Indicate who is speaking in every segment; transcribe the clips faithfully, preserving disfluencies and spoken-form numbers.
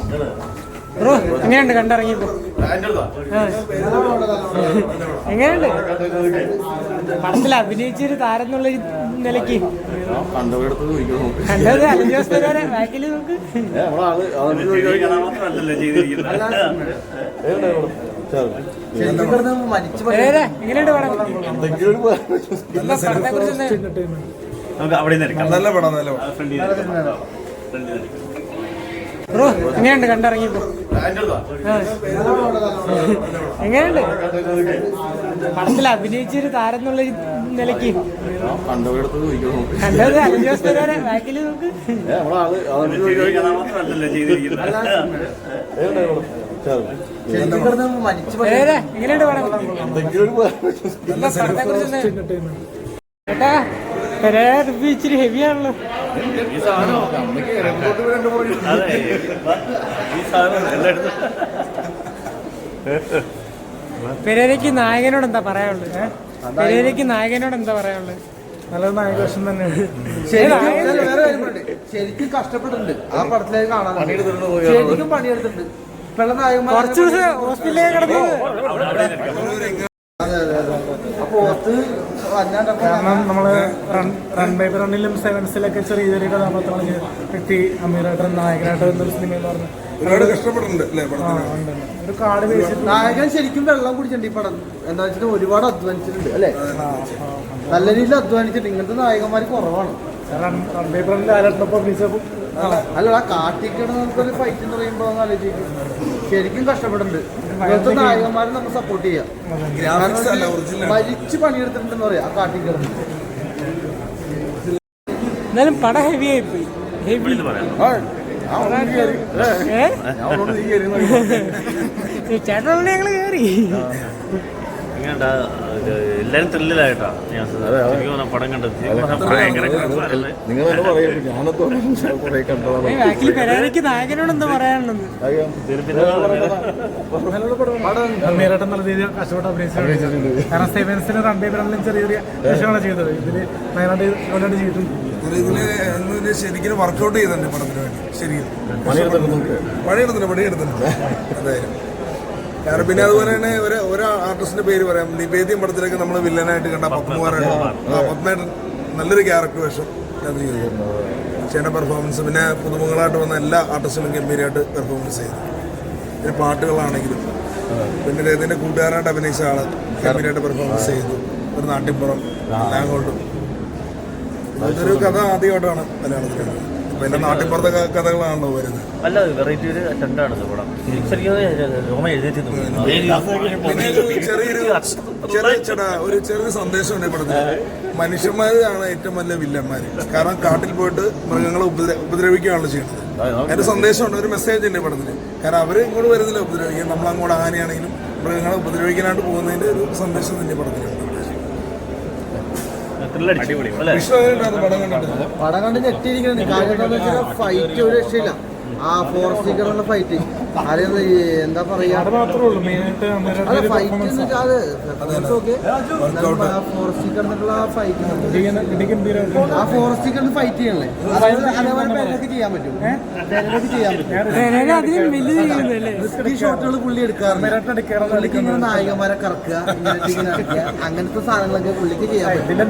Speaker 1: Bro എങ്ങനെയുണ്ട് കണ്ടിറങ്ങിയപ്പോ? എങ്ങനെയുണ്ട് പടത്തിൽ അഭിനയിച്ചൊരു താരം എന്നുള്ള നിലയ്ക്ക് കണ്ടത് അലഞ്ച് ദിവസം വരെ ബാക്കിൽ നോക്ക്. എങ്ങനെയുണ്ട് പടം? പടത്തെ കുറിച്ച് ബ്രോ എങ്ങനെയുണ്ട് കണ്ടിറങ്ങിയപ്പോ? എങ്ങനെയുണ്ട് പടത്തിൽ അഭിനയിച്ചൊരു താരം എന്നുള്ള നിലയ്ക്ക് കണ്ടത് അലഞ്ച് ദിവസം വരെ ബാക്കിൽ നോക്ക്. എങ്ങനെയുണ്ട് പടം? പടത്തെ കുറിച്ച് ചേട്ടാ റിവ്യൂ ഇച്ചിരി ഹെവി ആണല്ലോ. പെരേരയ്ക്ക് നായകനോട് എന്താ പറയാനുള്ളത്? പെരേരയ്ക്ക് നായകനോട് എന്താ പറയാനുള്ളത്? നല്ലൊരു നായകവേഷം തന്നെയാണ്.
Speaker 2: ശരിക്കും കഷ്ടപ്പെട്ടിട്ടുണ്ട് ആ പടത്തിലേക്ക് കാണാൻ. ശരിക്കും പണിയെടുത്തിട്ടുണ്ട്.
Speaker 1: കുറച്ചു ദിവസം ഹോസ്പിറ്റലിലേക്ക് കിടന്നു.
Speaker 3: കാരണം നമ്മള് റൺ ബൈ റണ്ണിലും സെവൻസിലൊക്കെ ചെറിയ ചെറിയ കഥാപാത്രങ്ങൾ വ്യക്തി അമീറായിട്ട് നായകനായിട്ട് എന്നൊരു സിനിമ എന്ന് പറഞ്ഞു ഒരുപാട് കഷ്ടപ്പെട്ടിട്ടുണ്ട്. ഒരു കാർഡ് ബേസിൽ
Speaker 2: നായകൻ ശരിക്കും വെള്ളം കുടിച്ചിട്ടുണ്ട് ഈ പടം. എന്താ വെച്ചിട്ട് ഒരുപാട് അധ്വാനിച്ചിട്ടുണ്ട് അല്ലെ, നല്ല രീതിയിൽ അധ്വാനിച്ചിട്ടുണ്ട്. ഇങ്ങനത്തെ നായകന്മാർ കുറവാണ്.
Speaker 3: റൺ ബൈ റണ്ണിൽ ആരാട്ടപ്പോ അഭിനയിച്ചപ്പോ
Speaker 2: അല്ല ആ കാട്ടിക്കിടന്നൊരു ഫൈറ്റ് എന്ന് പറയുമ്പോ ആലോചിക്കും. ശരിക്കും കഷ്ടപ്പെട്ടിട്ടുണ്ട്. ഇങ്ങനത്തെ നായകന്മാരെ നമ്മൾ സപ്പോർട്ട് ചെയ്യാം. മരിച്ച് പണിയെടുത്തിട്ടുണ്ടെന്ന് പറയാം ആ കാട്ടിക്കിടന്ന്.
Speaker 1: എന്നാലും പടം ഹെവി ആയിപ്പോയി. ഹെവി ചേട്ടൻ ഞങ്ങള് കേറി
Speaker 4: എല്ലാരും ത്രില്ലിലായിട്ടാ പടം കണ്ടത്.
Speaker 1: പെരേരയ്ക്ക് നായകനോട് എന്താ പറയാനുള്ളത്?
Speaker 3: അമീറായിട്ട് നല്ല രീതിയിൽ കഷ്ടപ്പെട്ട് അഭിനയിച്ചിട്ടുണ്ട്. കാരണം സെവൻസിന് റൺ ബൈ റണ്ണിലും ചെറിയ ചെറിയ വിഷയങ്ങളാണ് ചെയ്തത്. ഇതില് നയനായിട്ട് ചെയ്തിട്ടുണ്ട്. ഇതില് ശരിക്കും വർക്ക്ഔട്ട് ചെയ്തിട്ടുണ്ട് പടത്തിന് വേണ്ടി. ശരിക്കും പണിയെടുത്തിട്ടുണ്ട് പണിയെടുത്തിട്ടുണ്ട് എന്തായാലും. കാരണം പിന്നെ അതുപോലെ തന്നെ ഒരു ഒരു ആർട്ടിസ്റ്റിന്റെ പേര് പറയാം. നിവേദ്യം പടത്തിലേക്ക് നമ്മൾ വില്ലനായിട്ട് കണ്ട പത്മകുമാറായിട്ട് പത്മേട്ടൻ നല്ലൊരു ക്യാരക്ടർ വേഷം അത് ചെയ്തു. ചേട്ടൻ്റെ പെർഫോമൻസ് പിന്നെ പുതുമുകളായിട്ട് വന്ന എല്ലാ ആർട്ടിസ്റ്റിനും ഗംഭീരമായിട്ട് പെർഫോമൻസ് ചെയ്തു. പിന്നെ പാട്ടുകളാണെങ്കിലും പിന്നെ അദ്ദേഹത്തിൻ്റെ കൂട്ടുകാരായിട്ട് അഭിനയിച്ച ആള് ഗംഭീരമായിട്ട് പെർഫോമൻസ് ചെയ്തു. ഒരു നാട്ടിൻപുറം എല്ലാം കൊണ്ടും ഇതൊരു കഥ ആദ്യമായിട്ടാണ് മലയാളത്തിൽ. പിന്നെ നാട്ടിൻപുറത്തെ കഥകളാണല്ലോ വരുന്നത്.
Speaker 4: അല്ല വെറൈറ്റി ഒരു അറ്റൻഡാണ് പടം.
Speaker 2: ചെറിയൊരു ചെറിയ ചേട്ടാ ഒരു ചെറിയൊരു സന്ദേശം ഉണ്ട് പടത്തിൽ. മനുഷ്യന്മാരാണ് ഏറ്റവും വലിയ വില്ലന്മാര്. കാരണം കാട്ടിൽ പോയിട്ട് മൃഗങ്ങളെ ഉപദ്ര ഉപദ്രവിക്കുകയാണല്ലോ ചെയ്യുന്നത്. അതിന്റെ സന്ദേശമുണ്ട്, ഒരു മെസ്സേജ് ഉണ്ട് പടത്തിൽ. കാരണം അവര് ഇങ്ങോട്ട് വരുന്നില്ല ഉപദ്രവിക്കാൻ, നമ്മളങ്ങോട്ട് ആനയാണെങ്കിലും മൃഗങ്ങളെ ഉപദ്രവിക്കാനായിട്ട് പോകുന്നതിന്റെ ഒരു സന്ദേശം തന്നെ പടത്തിലുണ്ട്. പടം കണ്ട് ഞെട്ടിയിരിക്കണം. കാര്യം എന്താണെന്ന് വെച്ചാൽ ഫൈറ്റ് ഒരു രക്ഷയില്ല. ആ ഫോറസ്റ്റിക്കറുള്ള ഫൈറ്റ് അറിയാം എന്താ പറയാ. ഫൈറ്റ് എന്ന് വെച്ചാൽ അത് ഫോറസ്റ്റിക്കറിനുള്ള ഫൈറ്റ് ആ ഫോറസ്റ്റിക്കറിന് ഫൈറ്റ് ചെയ്യണല്ലേ. അതേപോലെ പേരൊക്കെ ചെയ്യാൻ പറ്റും. പേരൊക്കെ ചെയ്യാൻ പറ്റും. ഈ ഷോട്ടുകൾ പുള്ളി എടുക്കാറുണ്ട്. പുള്ളിക്ക് ഇങ്ങനെ നായകന്മാരെ കറക്കുക, അങ്ങനത്തെ സാധനങ്ങളൊക്കെ പുള്ളിക്ക് ചെയ്യാൻ പറ്റും.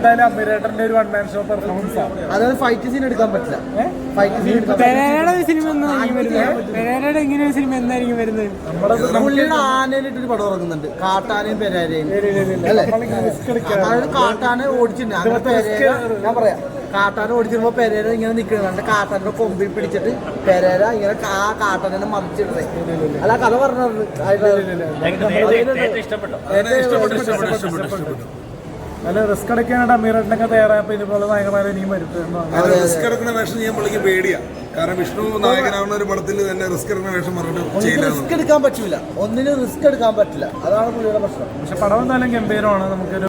Speaker 2: അതായത് ഫൈറ്റ് സീൻ എടുക്കാൻ പറ്റില്ല. ഫൈറ്റ് സീൻ എടുക്കാൻ പുള്ളിയുടെ ആനയിലിട്ടൊരു പടം ഇറങ്ങുന്നുണ്ട്. കാട്ടാനയും പെരേരയും അല്ലെ. അതായത് കാട്ടാനെ ഓടിച്ചിട്ടുണ്ട്. അങ്ങനെ പെരേര ഞാൻ പറയാം കാട്ടാനെ ഓടിച്ചിരുമ്പോ പെരേര ഇങ്ങനെ നിൽക്കുന്നുണ്ട്. കാട്ടാന്റെ കൊമ്പിൽ പിടിച്ചിട്ട് പെരേര ഇങ്ങനെ ആ കാട്ടാനെ മറിച്ചിടുന്നത്. അല്ല കഥ പറഞ്ഞത്
Speaker 3: നല്ല റിസ്ക് എടുക്കാനായിട്ട് അമീറായിട്ടൊക്കെ തയ്യാറായപ്പോ ഇതുപോലെ നായകന്മാരെ ഇനിയും
Speaker 2: റിസ്ക് എടുക്കുന്ന വേഷം ചെയ്യാൻ പുള്ളിക്ക് പേടിയാ. കാരണം വിഷ്ണു നായകനാവുന്ന ഒരു പടത്തിൽ തന്നെ റിസ്ക് എടുക്കുന്ന വേഷം പറഞ്ഞിട്ട് റിസ്ക് എടുക്കാൻ പറ്റില്ല. ഒന്നിനും റിസ്ക് എടുക്കാൻ പറ്റില്ല. അതാണ് പുള്ളിയുടെ പ്രശ്നം.
Speaker 3: പക്ഷെ പടം എന്തായാലും ഗംഭീരമാണ്. നമുക്കൊരു